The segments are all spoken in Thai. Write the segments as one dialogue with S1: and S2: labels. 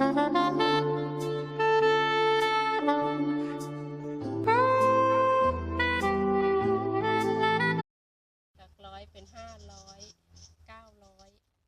S1: จาก100เป็น500 900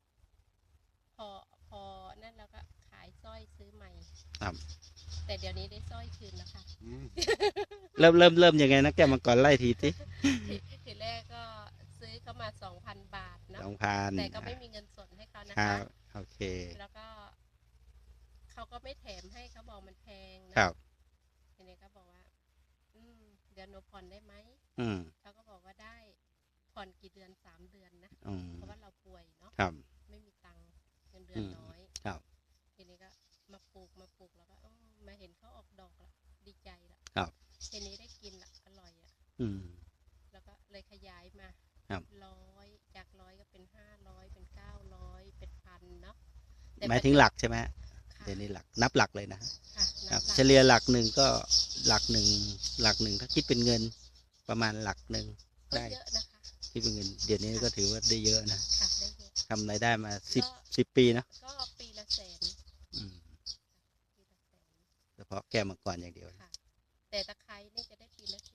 S1: พอนั่นแล้วก็ขายสร้อยซื้อใหม่
S2: ครับ
S1: แต่เดี๋ยวนี้ได้สร้อยคืนแล้วค่ะ
S2: เริ่มยังไงนะแก้วมังกรไล่ที
S1: ทีแรกก็ซื้อเขามา 2,000 บาทเนาะ
S2: 2,000
S1: แต่ก็ไม่มีเงินสดให้เขานะ
S2: ครั
S1: คะ
S2: บโอเค
S1: แล้วก็เขาก็ไม่แถมให้เขาบอกมันแพงนะครับทีนี้ก็บอกว่าเดี๋ยวหนูผ่อนได้ไหมเขาก็บอกว่าได้ผ่อนกี่เดือน3 เดือนนะเพราะว่าเราป่วยเนาะไม่มีตังค์เงินเดือนน้อยทีนี้ก็มาปลูกแล้วก็มาเห็นเขาออกดอกละดีใจละทีนี้ได้กินละอร่อยอ่ะแล้วก็เลยขยายมา100จาก100ก็เป็น500เป็น900เป็น1,000เนาะ
S2: หมายถึงหลักใช่ไหมเดี๋ยวนี้หลักนับหลักเลยนะครับเฉลี่ยหลักหนึ่งก็หลักหนึ่งถ้าคิดเป็นเงินประมาณหลักหนึ่งได้
S1: เยอะนะคะ
S2: คิดเป็นเงินเดี๋ยวนี้ก็ถือว่าได้เยอะนะ
S1: ได้เยอะ
S2: ทำรายได้มา10 ปีนะ
S1: ก็ปีละ100,000
S2: เฉพาะแก้วมังกรอย่างเดียว
S1: แต่ตะไคร้นี่จะได้ปีละ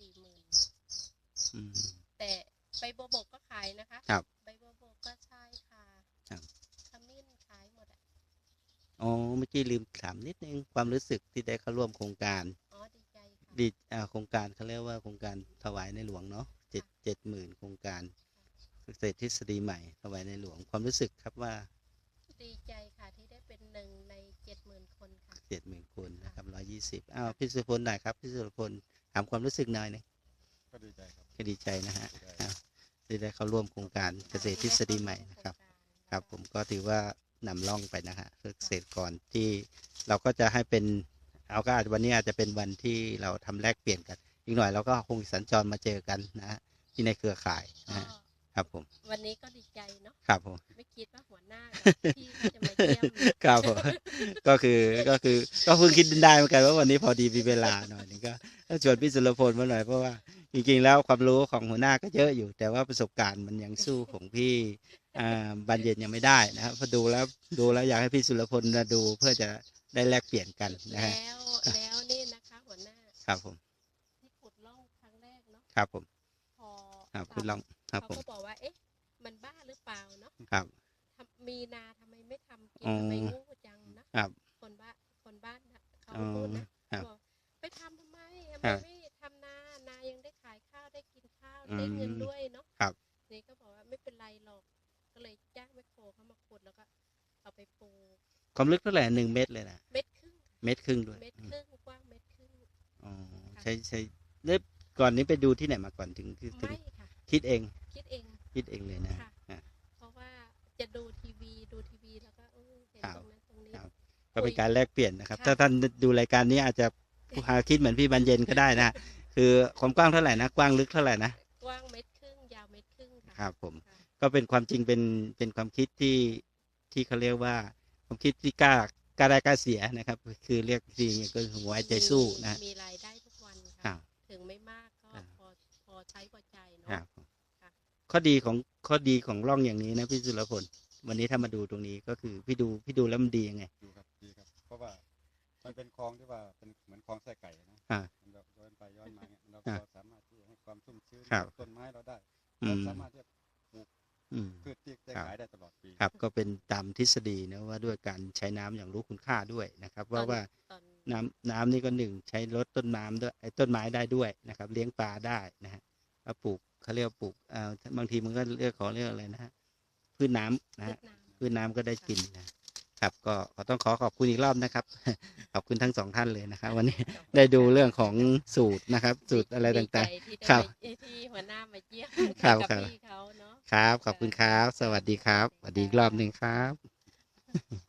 S1: 40,000แต่ใบบัวบกก็ขายนะคะใบบัวบกก็ใช่ค่ะขมิ้นขายหมด
S2: อ๋อเมื่อกี้ลืมถามนิดนึงความรู้สึกที่ได้เข้าร่วมโครงการ
S1: ดีใจค่ะ
S2: โครงการเขาเรียกว่าโครงการถวายในหลวงเนาะ70,000โครงการเกษตรทฤษฎีใหม่ถวายในหลวงความรู้สึกครับว่า
S1: ดีใจค่ะที่ได้เป็น1 ใน 70,000 คนค่ะ
S2: 70,000 คนนะครับ120พี่สุพลหน่อยครับพี่สุพลถามความรู้สึกหน่อยนึง
S3: ก็ดีใจครับ
S2: ก็ดีใจนะฮะที่ได้เข้าร่วมโครงการเกษตรทฤษฎีใหม่นะครับครับผมก็ถือว่านำร่องไปนะฮะเกษตรกรที่เราก็จะให้เป็นเอาก็อาจวันนี้อาจจะเป็นวันที่เราทำแลกเปลี่ยนกันอีกหน่อยเราก็คงสัญจรมาเจอกันนะฮะที่ในเครือข่ายนะครับผม
S1: วันนี้ก็ดีใจเนาะ
S2: ครับผม
S1: ไม่คิดว่าหัวหน้าพี่จะมาเยี่ยม
S2: ครับผมก็เพิ่งคิดได้เหมือนกันว่าวันนี้พอดีมีเวลาหน่อยนึงก็ชวนพี่สุรพลมาหน่อยเพราะว่าจริงๆแล้วความรู้ของหัวหน้าก็เยอะอยู่แต่ว่าประสบการณ์มันยังสู้ของพี่บานเย็นยังไม่ได้นะครับพอดูแล้วอยากให้พี่สุรพลมาดูเพื่อจะได้แลกเปลี่ยนกันนะฮะ
S1: แล้วนี่นะคะหัวหน้า
S2: ครับผม
S1: ที่ขุดร่องครั้งแรกเนาะ
S2: ครับผม
S1: พอ
S2: ขุดร่องครับผม
S1: เขาก็บอกว่าเอ๊ะมันบ้าหรือเปล่าเนาะ
S2: ครับ
S1: มีนาทำไมไม่ทำกินทำไมโง่จังนะครับคนบ้านเขาพูดนะบอกไปทำไมไม่ทำนายังได้ขายข้าวได้กินข้าวได้เงินด้วยเนาะนี่ก็บอกว่าไม่เป็นไรหรอกก็เลยจ้างแมคโครเข้ามาขุดแล้วก็เอาไปปลูก
S2: ความลึกเท่าไหร่1 เมตรเลยนะ
S1: 1.5 เมตรด้วย
S2: 1.5 เมตร
S1: กว้าง1.5 เมตร
S2: อ๋อใช่เริ่มก่อนนี้ไปดูที่ไหนมาก่อนถึงคิดเองเลยนะ
S1: เพราะว่าจะดูทีวีแล้วก็เห็นตรงนั้นตรงนี้
S2: ก็เป็นการแลกเปลี่ยนนะครับถ้าท่านดูรายการนี้อาจจะคิดเหมือนพี่บรรเย็นก็ได้นะคือความกว้างเท่าไหร่นะกว้างลึกเท่าไหร่นะ
S1: กว้าง1.5 เมตรยาว1.5 เมตร
S2: ครับผมก็เป็นความจริงเป็นความคิดที่เขาเรียกว่าความคิดที่กล้าได้กล้าเสียนะครับคือเรียกจริงก็หัวใจสู้นะ
S1: มีรายได้ทุกวันค่ะถึงไม่มากก็พอใช้พอใจเนาะ
S2: ข้อดีของร่องอย่างนี้นะพี่สุรพลวันนี้ถ้ามาดูตรงนี้ก็คือพี่ดูแล้วมันดียังไง
S3: ดีครับเพราะว่ามันเป็นคลองที่ว่าเป็นเหมือนคลองไส้ไก่นะมันแบบย้อนไปย้อนมาเนี่ยเราสามารถที่จะให้ความชุ่มชื้นต้นไม้เราได้เราสามารถที่จะปลูกพืชที่ได้ขายได้ตลอดปี
S2: ครับก็เป็นตามทฤษฎีนะว่าด้วยการใช้น้ำอย่างรู้คุณค่าด้วยนะครับว่าน้ำนี่ก็ใช้ลดต้นน้ำด้วยต้นไม้ได้ด้วยนะครับเลี้ยงปลาได้นะฮะแล้วปลูกเขาเรียกปลูกบางทีมันก็เรียกอะไรนะฮะพืชน้ำนะฮะพืชน้ำก็ได้กินนะครับก็ต้องขอบคุณอีกรอบนะครับขอบคุณทั้ง2 ท่านเลยนะครับวันนี้ได้ดูเรื่องของสูตรนะครับสูตรอะไรต่างๆครับ
S1: ที่หัวหน้ามาเยี่ยม
S2: กับ
S1: พี่เขาเนาะ
S2: ครับขอบคุณครับสวัสดีครับสวัสดีอีกรอบนึงครับ